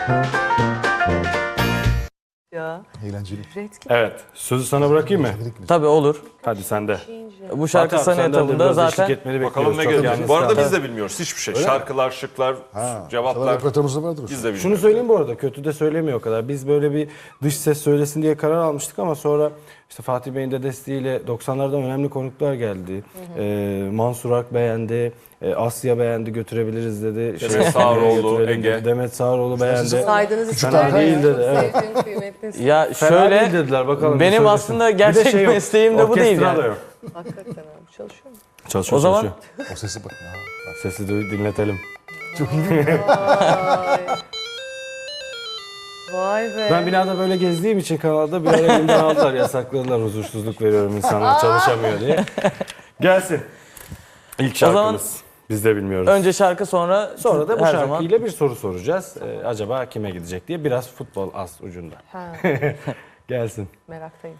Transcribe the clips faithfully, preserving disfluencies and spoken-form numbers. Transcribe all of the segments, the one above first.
Ya. Eğlenceli. Evet. Sözü sana bırakayım mı? Tabii olur. Hadi sen de. Bu şarkı Fatih abi, sana senden de etabında biraz zaten eşlik etmeni Bakalım bekliyoruz. ne Çok gelecek. yalnız Bu arada kaldı. biz de bilmiyoruz hiçbir şey. Şarkılar, şıklar, Ha, cevaplar repertuarımızda vardır. biz de bilmiyoruz. Şunu söyleyeyim bu arada, kötü de söylemiyor o kadar. Biz böyle bir dış ses söylesin diye karar almıştık ama sonra işte Fatih Bey'in de desteğiyle doksanlardan önemli konuklar geldi. Ee, Mansur Ak beğendi, e, Asya beğendi, götürebiliriz dedi. Demet Sağaroğlu, götürelim Ege. dedi. Demet Sağaroğlu beğendi. Saydığınız için Fena değil dedi. Evet. sevdiğim, kıymetli. ya Fena şöyle değil dediler, bakalım. benim bir aslında söylesin. Bir de gerçek şey yok, mesleğim de bu değil orkestra yani. da yok. Hakikaten abi çalışıyor mu? Çalışıyor, O zaman- çalışıyor. O sesi bak. Ya. Sesi duy- dinletelim. Çok iyi. Vay. Vay be. Ben binada böyle gezdiğim için kanalda bir ara elimden aldılar, yasakladılar, huzursuzluk veriyorum insanlara, çalışamıyor diye. Gelsin. İlk zaman- şarkımız. Biz de bilmiyoruz. Önce şarkı sonra Sonra da bu her şarkıyla zaman. bir soru soracağız. Ee, acaba kime gidecek diye, biraz futbol az ucunda. Ha, Gelsin. meraktayım.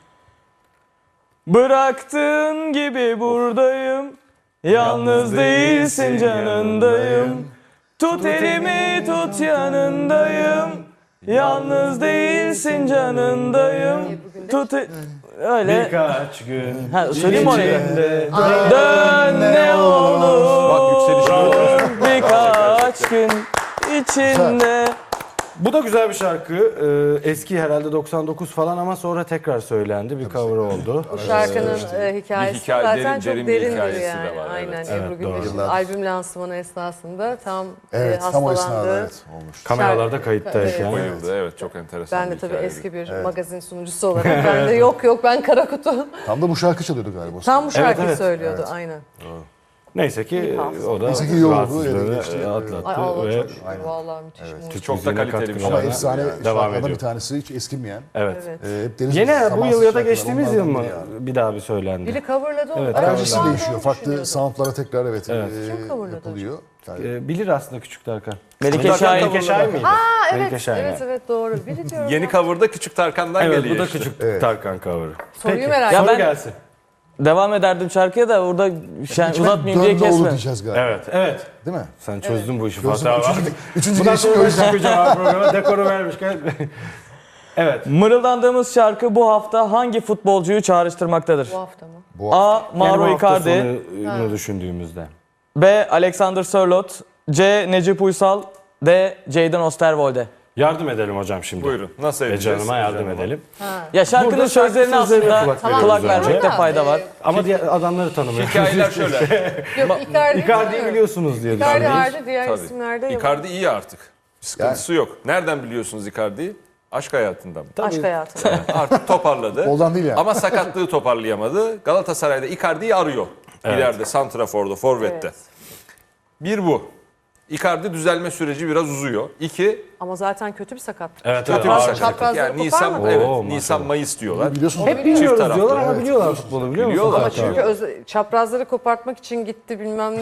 Bıraktığın gibi buradayım. Yalnız değilsin canındayım. Tut elimi tut yanındayım. Yalnız değilsin canındayım. Tut e- öyle. Birkaç gün Ha, söyleyeyim mi orayı? içinde Dön ne olur. Bak yükselişi Birkaç gün içinde. Bu da güzel bir şarkı. Ee, eski herhalde doksan dokuz falan ama sonra tekrar söylendi. Bir cover oldu. Bu şarkının e, hikayesi Bir hikaye- zaten derin- çok derin bir derindir hikayesi de yani. var, Aynen evet. Ebru Evet, Gündeş'in doğru. albüm lansmanı esnasında tam Evet, e, tam o esnada hastalandı. evet olmuş. Kameralarda kayıttayken. bayıldı. Evet çok enteresan Ben de bir tabii hikayeydi. eski bir magazin sunucusu olarak ben de yok yok ben kara kutu. Tam da bu şarkı çalıyordu galiba. o Tam bu şarkıyı evet. söylüyordu aynen. Neyse ki hafıza. o da Neyse ki iyi oldu, rahatsızlığını öyle geçti. atlattı Ay Allah ve çok şükür vallahi müthiş. muhteşem. Çok da müziğine kaliteli bir katkıları Ama şarkı. efsane devam şarkılardan ediyor. bir tanesi hiç eskimeyen. Evet. Evet. Ee, hep deniz Yine bu zamansız yıl ya da şarkılar, geçtiğimiz yıl onlardan mı biri yani. bir daha bir söylendi? Biri coverladı onu. Evet, Ben coverladı. şu Enerjisi anda değişiyor. onu Farklı düşünüyordum. soundlara tekrar evet, Evet. e, Kim coverladı yapılıyor. Yani Ee, bilir aslında Küçük Tarkan. Melike Melike Şahin. Melike Şahin miydi? Aa Melike evet, Şahin, evet evet. evet doğru. Biri diyorum. Yeni ya. cover'da Küçük Tarkan'dan Evet, geliyor bu da işte. Küçük Tarkan cover'ı. Soruyu Peki, merak Ya soru ben- gelsin. Devam ederdim şarkıya da burada şey, içime uzatmayayım diye dön de olur kesme. diyeceğiz galiba. Evet, evet. Değil mi? Sen çözdün bu işi Çözdüm. Fatih abi. Üçüncü, üçüncü Bundan gelişim sonra o ben yüzden. çıkacağım abi programa. Dekoru vermişken. Evet. Mırıldandığımız şarkı bu hafta hangi futbolcuyu çağrıştırmaktadır? Bu hafta mı? Bu A. Yani bu Mauro hafta Icardi. sonunu düşündüğümüzde. B. Alexander Sörloth. C. Necip Uysal. D. Jadon Osterwolde. Yardım edelim hocam şimdi. Buyurun. Nasıl Ece edeceğiz? Hanım'a yardım Ece Hanım'a. edelim. Ya şarkının Burada şarkı sözlerine sözlerine aslında kulak kulak, veriyoruz önce. vermekte fayda var. Ama diğer adamları tanımıyoruz. Hikayeler şöyle. Yok Icardi. Icardi'yi biliyorsunuz diye Icardi düşünüyoruz. harici diğer Tabii. isimlerde yok. Icardi iyi artık. Bir sıkıntısı yok. Nereden biliyorsunuz Icardi'yi? Aşk hayatından mı? Aşk hayatı. Artık toparladı. Boldan değil yani. Ama sakatlığı toparlayamadı. Galatasaray'da Icardi'yi arıyor. İleride, santraforda, forvette. Evet. Bir bu. Icardi düzelme süreci biraz uzuyor. İki, Ama zaten kötü bir sakatlık. Evet, kötü evet. bir ağır sakatlık. çaprazları Yani Nisan, koparmadı. evet, Oo, maşallah. Nisan, Mayıs diyorlar. Biliyorsun Hep bilmiyoruz taraflı. diyorlar ama Evet. biliyorlar futbolu biliyor musun? Biliyorlar. Ama Fatih abi? çünkü öz- çaprazları kopartmak için gitti bilmem ne.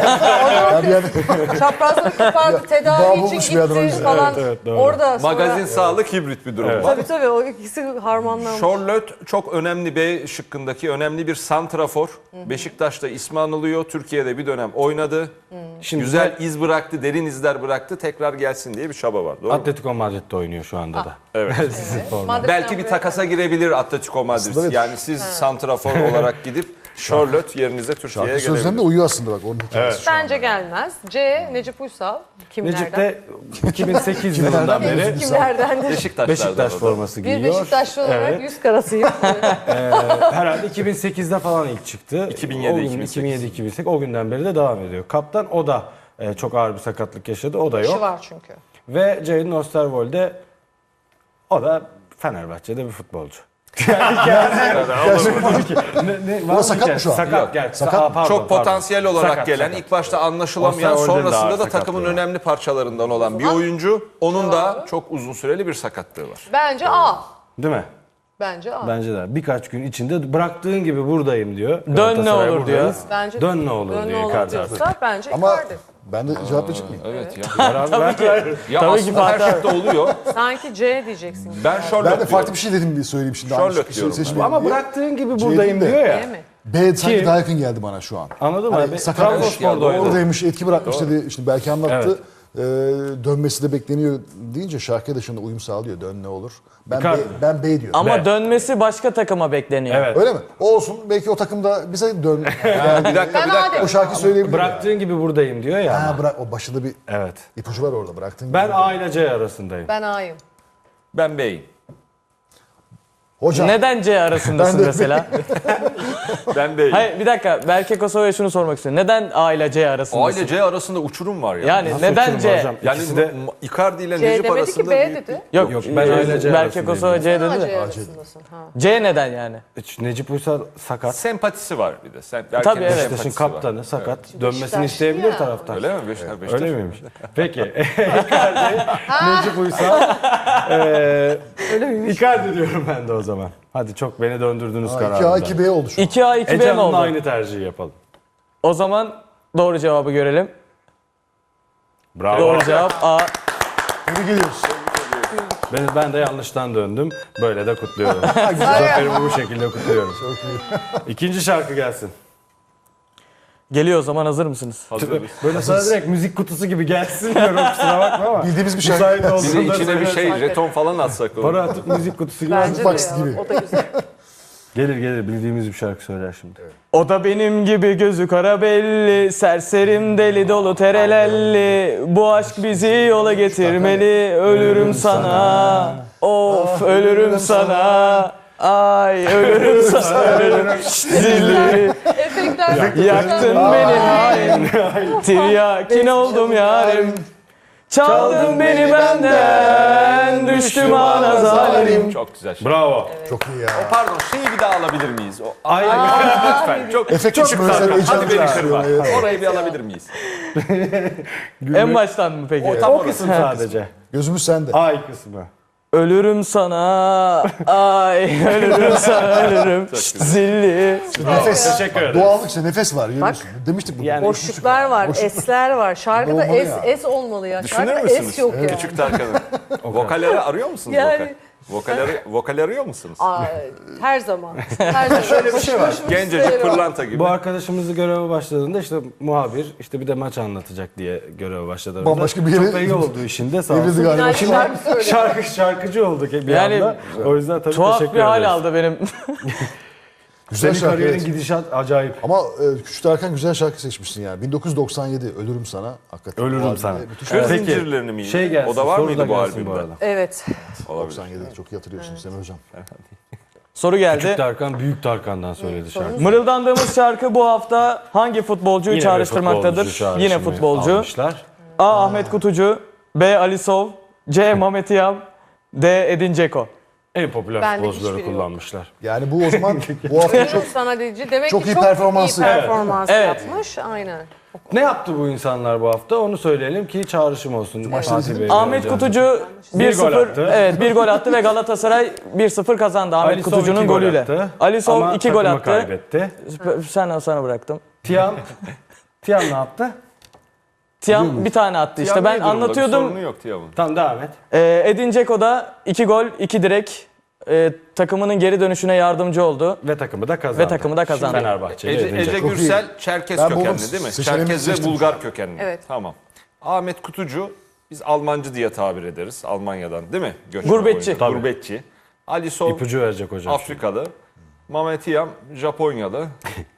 ya bir yerde Çaprazları kopardı, bağ tedavi bulmuş için bir adam gitti önce. falan. Evet, evet, doğru. Orada sonra... Magazin sağlık hibrit bir durum Evet. var. Tabii tabii o ikisi harmanlanmış. Charlotte çok önemli B şıkkındaki önemli bir santrafor. Beşiktaş'ta ismi anılıyor. Türkiye'de bir dönem oynadı. Şimdi Güzel iz bıraktı, derin izler bıraktı. Tekrar gelsin diye bir çaba var. Doğru mu? Atletico Madrid'de oynuyor şu anda da. Evet. Sizin forma. Madrid'den Belki bir buraya takasa girebilir Atletico Madrid. Aslında evet. Yani siz santrafor olarak gidip Charlotte yerinize Türkiye'ye şarkı sözlerinde gelebilir. uyuyor aslında bak onun hikayesi. şu an. Bence gelmez. C. Necip Uysal. Kimlerden? Necip de iki bin sekiz yılından beri Kimlerden? Beşiktaşlardan Beşiktaş o da. forması Bir giyiyor. Beşiktaşlı olarak Evet. yüz karasıyım. Ee, herhalde iki bin sekizde falan ilk çıktı. iki bin yedi, O gün- iki bin sekiz. iki bin yedi iki bin sekiz o günden beri de devam ediyor. Kaptan o da e, çok ağır bir sakatlık yaşadı. O da İşi yok. var çünkü. Ve Jadon Osterwolde o da Fenerbahçe'de bir futbolcu. Yani kendisi- ne, ne, var mı sakat ki? mı şu an? Sakat. Yok. Gerçi, Sakat Aa, mı? pardon, Çok pardon. potansiyel olarak Sakat, gelen, sakat. ilk başta anlaşılamayan, Osterwolde'nin de sonrasında ağır da takımın sakatlığı var. önemli parçalarından olan bir oyuncu. Onun da çok uzun süreli bir sakatlığı var. Bence A. Değil mi? Bence A. Bence de. Birkaç gün içinde bıraktığın gibi buradayım diyor. Dön ne Galatasaray olur diyor. buradayız. Bence Dön ne olur Dön ne diyor olur Icardi. diyorsa bence Ama Icardi. ben de cevap verecek miyim? Evet ya. Tabii ki. Ya Tabii ki aslında her Fatih şıkta oluyor. Sanki C diyeceksin. Ben Charlotte Ben de farklı diyorum. bir şey dedim diye söyleyeyim şimdi. Charlotte Yanlış bir şey diyorum ben. seçmeyeyim Ama diye. bıraktığın gibi C buradayım değil de. diyor ya. Değil mi? B sanki Kim? daha yakın geldi bana şu an. Anladın mı? Hani abi? sakat Trabzonspor'da Evet ya, oynadı. Oradaymış, etki bırakmış dedi. Şimdi belki anlattı. e, dönmesi de bekleniyor deyince şarkı dışında uyum sağlıyor. Dön ne olur. Ben Icardi. B, ben B diyorum. Ama Ve- dönmesi başka takıma bekleniyor. Evet. Öyle mi? Olsun. Belki o takımda bize dön. Yani Bir dakika Ben bir dakika. o şarkı söyleyebilir. Bıraktığın gibi buradayım diyor ya. Ha ama. bırak o başında bir Evet. ipucu var orada bıraktın. Ben A ile C arasındayım. Ben A'yım. Ben B'yim. Hocam. Neden C arasındasın Ben de- mesela? Ben B'yim. Hayır bir dakika. Berke Kosova'ya şunu sormak istiyorum. Neden A ile C A arasındasın? ile C arasında uçurum var ya. Yani Nasıl neden uçurum C? hocam? Yani İkisi de... M- Icardi ile C Necip demedi arasında ki B büyük dedi. Yok, Yok, ben A ile C Berke arasındayım. Kosova C A, dedi de. C arasındasın. Ha. C neden yani? Hiç Necip Uysal sakat. sempatisi var bir de. Sen, Tabii, evet. Beşiktaş'ın sempatisi var. kaptanı sakat. Dönmesini Beşiktaşlı isteyebilir ya. taraftar. Öyle mi? Beşiktaş, Beşiktaş. Öyle miymiş? Peki. Icardi, Necip Uysal. Eee Öyle miymiş? Icardi diyorum ben de o zaman. Hadi çok beni döndürdünüz iki A kararında. iki B oldu şu an. iki A iki B mi Ece Hanım'la oldu? aynı tercihi yapalım. O zaman doğru cevabı görelim. Bravo. Doğru cevap A. Tebrik ediyoruz. Ben, ben de yanlıştan döndüm. Böyle de kutluyorum. Zaferimi bu şekilde kutluyorum. İkinci şarkı gelsin. Geliyor o zaman, hazır mısınız? Hazırız. Böyle sana direkt müzik kutusu gibi gelsin diyorum, kusura bakma ama. Bildiğimiz bir şarkı. Müsait Bir de olduğunda içine bir söylersen. şey, jeton falan atsak. olur. Para atıp müzik kutusu gibi. Bence de Box ya. gibi. O da güzel. Gelir gelir, bildiğimiz bir şarkı söyler şimdi. O da benim gibi gözü kara belli, serserim deli dolu terelelli. Bu aşk bizi yola getirmeli, ölürüm sana. Of ölürüm sana. Ay ölürüm sana, ölürüm. Zilleri Efektler. yaktın beni hain. Tiryakin oldum yarim. Çaldın beni benden, düştüm ana zalim. Çok güzel şey. Bravo. Çok iyi ya. Pardon, şeyi bir daha alabilir miyiz? O, Ay, lütfen. Çok, Efekt çok kısmı mesela Hadi heyecanlı beni çağırıyor, kırma. evet. Orayı bir alabilir miyiz? En baştan mı peki? O tam o orası. kısım sadece. Gözümüz sende. Ay kısmı. Ölürüm sana, ay ölürüm sana, ölürüm. Zilli. Nefes. Teşekkür ederim. Doğallık işte nefes var görüyorsun. Demiştik bunu. Yani- Boşluklar var, esler var. Şarkıda Olmalı es, ya. es olmalı ya. Düşünür Şarkıda müsünüz? es yok ya. Küçük Tarkan'ın. Vokalleri arıyor musunuz? Yani- Vokal? Vokal, arı- vokal arıyor musunuz? Aa, her zaman. Her zaman. Şöyle bir şey var. Gencecik pırlanta gibi. Bu arkadaşımızı göreve başladığında işte muhabir, işte bir de maç anlatacak diye göreve başladı. Bambaşka bir yere- Çok da iyi oldu işinde, sağ Evrildi olsun. galiba. Yani Şimdi şarkı söylüyor. Şarkı, şarkıcı olduk bir Yani anda. O yüzden tabii Tuhaf teşekkür bir hal ederiz. aldı benim. güzel Senin şarkı. kariyerin Evet. gidişat acayip. Ama e, Küçük Tarkan güzel şarkı seçmişsin yani. bin dokuz yüz doksan yedi Ölürüm Sana. Hakikaten. Bu Ölürüm albümde sana. müthiş Kır bir- Peki, zincirlerini miydi? Şey gelsin, O da var soru mıydı bu gelsin albümde? arada. Evet. Olabilir. doksan yedi çok iyi hatırlıyorsunuz Semih Hocam. Soru geldi. Küçük Tarkan, Büyük Tarkan'dan söyledi şarkı. Mırıldandığımız şarkı bu hafta hangi futbolcuyu Yine bir çağrıştırmaktadır? futbolcu çağrışımı Yine futbolcu. almışlar. A. Ahmet Kutucu, B. Alisov, C. Mehmet Yam, D. Edin Dzeko. En popüler Bende futbolcuları hiçbiri yok. kullanmışlar. Yani bu o zaman bu hafta çok Çok sana dedici. Demek Çok ki iyi çok performansı. iyi performans Evet. yapmış. Aynen. Ne yaptı bu insanlar bu hafta? Onu söyleyelim ki çağrışım olsun. Fatih Bey Ahmet hocam. Kutucu Bir bir gol sıfır attı. evet bir gol attı ve Galatasaray bir sıfır kazandı Ahmet Alisov Kutucu'nun iki gol golüyle. attı. Alisov Ama iki gol takımı attı. kaybetti. Sen sana bıraktım. Tiam, Tiam ne yaptı? Tiam bir tane attı işte. Tiam Ben iyi durumda, bir anlatıyordum. sorunu yok Tiam'ın. Tamam, devam et. Ee, Edin Dzeko da iki gol, iki direk. Ee, takımının geri dönüşüne yardımcı oldu. Ve takımı da kazandı. Ve takımı da kazandı. Fenerbahçe'yle Ece, edince. Ece Çok Gürsel Çerkez Ben buldum. kökenli değil mi? Seçeneğimi Çerkez ve seçtim. Bulgar kökenli. Evet. Tamam. Ahmet Kutucu biz Almancı diye tabir ederiz. Almanya'dan değil mi? Göçmen Gurbetçi. oyuncu. Tabii. Gurbetçi. Alisov İpucu verecek hocam. Afrikalı. Mehmet Yam Japonyalı.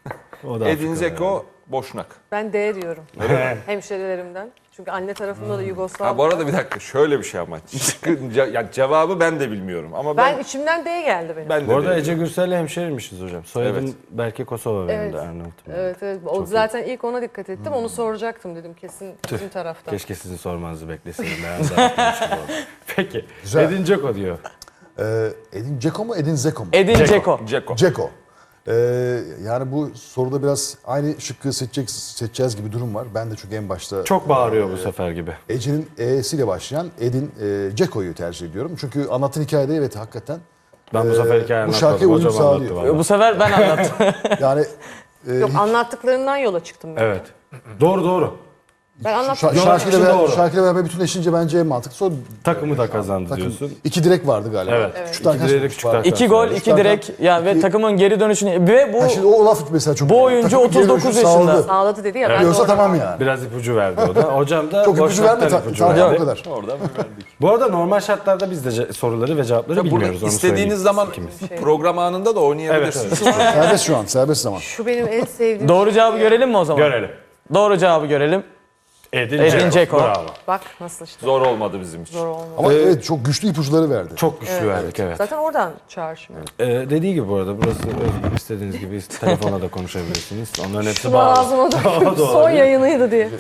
O da Edin Afrikalı Dzeko Boşnak. Ben D diyorum. Hemşerilerimden. Çünkü anne tarafında da Yugoslav. Ha bu arada bir dakika şöyle bir şey ama. Şıkkı- ce- yani cevabı ben de bilmiyorum ama ben, Ben içimden D geldi benim. ben de Bu arada değilim. Ece Gürsel'le hemşehriymişiz hocam. Soyadım Evet. belki Kosova benim Evet. de Arnavut'um. Evet evet. O zaten ilk ona dikkat ettim. Onu soracaktım dedim kesin bizim taraftan. Keşke sizin sormanızı bekleseydim. Ben de yapmamış gibi oldum. Peki. Güzel. Edin Dzeko diyor. e, Edin Dzeko mu Edin Zeko mu? Edin Dzeko. Dzeko. Dzeko. E, yani bu soruda biraz aynı şıkkı seçecek, seçeceğiz gibi durum var. Ben de çünkü en başta Çok bağırıyor bu sefer gibi. Ece'nin E'siyle başlayan Edin e, Dzeko'yu tercih ediyorum. Çünkü anlattığın hikayede evet hakikaten Ben bu Ee, sefer hikaye bu anlatmadım. şarkıya uyum Hocam anlattı sağlıyor. valla. Bu sefer ben anlattım. yani e, Yok anlattıklarından yola çıktım ben. Evet. Doğru doğru. Ben anlattım. Şa- Yok, şarkıyla, şimdi beraber, doğru. şarkıyla beraber bütünleşince bence en mantıklısı o. Takımı da kazandı Takım. diyorsun. İki direk vardı galiba. Evet. Evet. Küçük İki arkadaş direk, vardı. küçük arkadaş. İki gol, Evet. iki direk. Yani ve takımın geri dönüşünü ve bu Ha, şimdi o laf mesela çok. Bu oyuncu Takım geri otuz dokuz dönüşü yaşında. sağladı. Sağladı dedi ya. Ben de Yoksa oradan- tamam yani. Biraz ipucu verdi o da. Hocam da Çok ipucu boşluktan verme. ipucu Sadece verdi. o kadar. Oradan mı verdik? Bu arada normal şartlarda biz de ce- soruları ve cevapları Burada bilmiyoruz. Onu istediğiniz söyleyeyim. zaman program anında da oynayabilirsiniz. Serbest şu an. Serbest zaman. Şu benim en sevdiğim doğru şey cevabı ya. görelim mi o zaman? Görelim. Doğru cevabı görelim. Edin, Edin Dzeko. Dzeko. Bravo. Bak nasıl işte. Zor olmadı bizim için. Zor olmadı. Ama evet çok güçlü ipuçları verdi. Çok güçlü verdik evet. Zaten oradan çağır şimdi. Ee, dediği gibi bu arada burası özgür, istediğiniz gibi telefonla da konuşabilirsiniz. Onların hepsi Şunu bağlı. ağzıma da O da son olabilir. yayınıydı diye.